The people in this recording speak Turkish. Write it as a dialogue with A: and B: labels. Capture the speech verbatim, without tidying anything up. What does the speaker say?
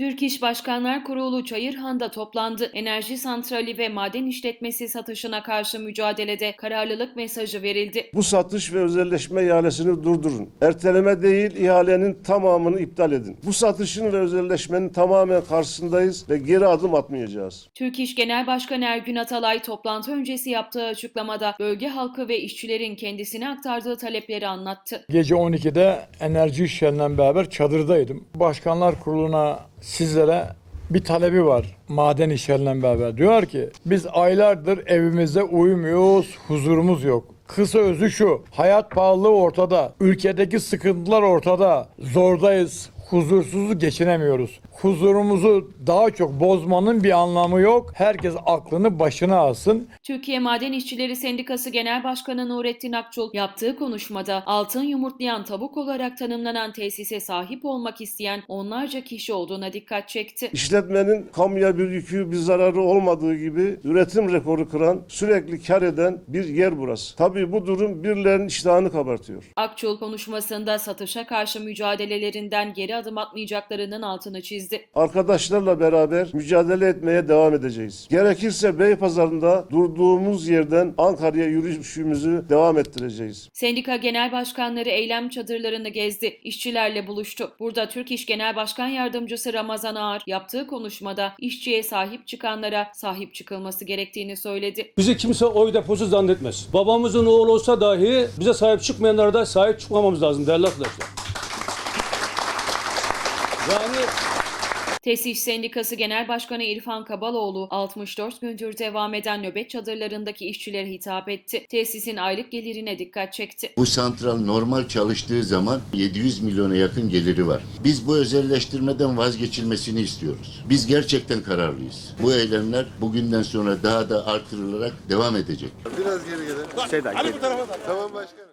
A: Türk İş Başkanlar Kurulu Çayırhan'da toplandı. Enerji santrali ve maden işletmesi satışına karşı mücadelede kararlılık mesajı verildi.
B: Bu satış ve özelleşme ihalesini durdurun. Erteleme değil, ihalenin tamamını iptal edin. Bu satışın ve özelleşmenin tamamen karşısındayız ve geri adım atmayacağız.
A: Türk İş Genel Başkanı Ergün Atalay toplantı öncesi yaptığı açıklamada bölge halkı ve işçilerin kendisine aktardığı talepleri anlattı.
C: Gece on ikide enerji işlerinden beraber çadırdaydım. Başkanlar Kurulu'na sizlere bir talebi var maden işlerinden beraber. Diyor ki biz aylardır evimizde uyumuyoruz, huzurumuz yok. Kısa özü şu, hayat pahalılığı ortada, ülkedeki sıkıntılar ortada, zordayız, huzursuzluk geçinemiyoruz. Huzurumuzu daha çok bozmanın bir anlamı yok. Herkes aklını başına alsın.
A: Türkiye Maden İşçileri Sendikası Genel Başkanı Nurettin Akçul yaptığı konuşmada altın yumurtlayan tavuk olarak tanımlanan tesise sahip olmak isteyen onlarca kişi olduğuna dikkat çekti.
B: İşletmenin kamuya bir yükü, bir zararı olmadığı gibi üretim rekoru kıran, sürekli kar eden bir yer burası. Tabii bu durum birilerinin iştahını kabartıyor.
A: Akçul konuşmasında satışa karşı mücadelelerinden geri adım atmayacaklarının altını çizdi.
B: Arkadaşlarla beraber mücadele etmeye devam edeceğiz. Gerekirse Beypazarı'nda durduğumuz yerden Ankara'ya yürüyüşümüzü devam ettireceğiz.
A: Sendika genel başkanları eylem çadırlarını gezdi, işçilerle buluştu. Burada Türk İş Genel Başkan Yardımcısı Ramazan Ağar yaptığı konuşmada işçiye sahip çıkanlara sahip çıkılması gerektiğini söyledi.
D: Bizi kimse oy deposu zannetmez. Babamızın oğlu olsa dahi bize sahip çıkmayanlara da sahip çıkmamamız lazım değerli arkadaşlar. Yani
A: TESİŞ Sendikası Genel Başkanı İrfan Kabaloğlu, altmış dört gündür devam eden nöbet çadırlarındaki işçilere hitap etti. Tesisin aylık gelirine dikkat çekti.
E: Bu santral normal çalıştığı zaman yedi yüz milyona yakın geliri var. Biz bu özelleştirmeden vazgeçilmesini istiyoruz. Biz gerçekten kararlıyız. Bu eylemler bugünden sonra daha da artırılarak devam edecek.
F: Biraz geri gelin. Seda, geri. Tamam başkanım.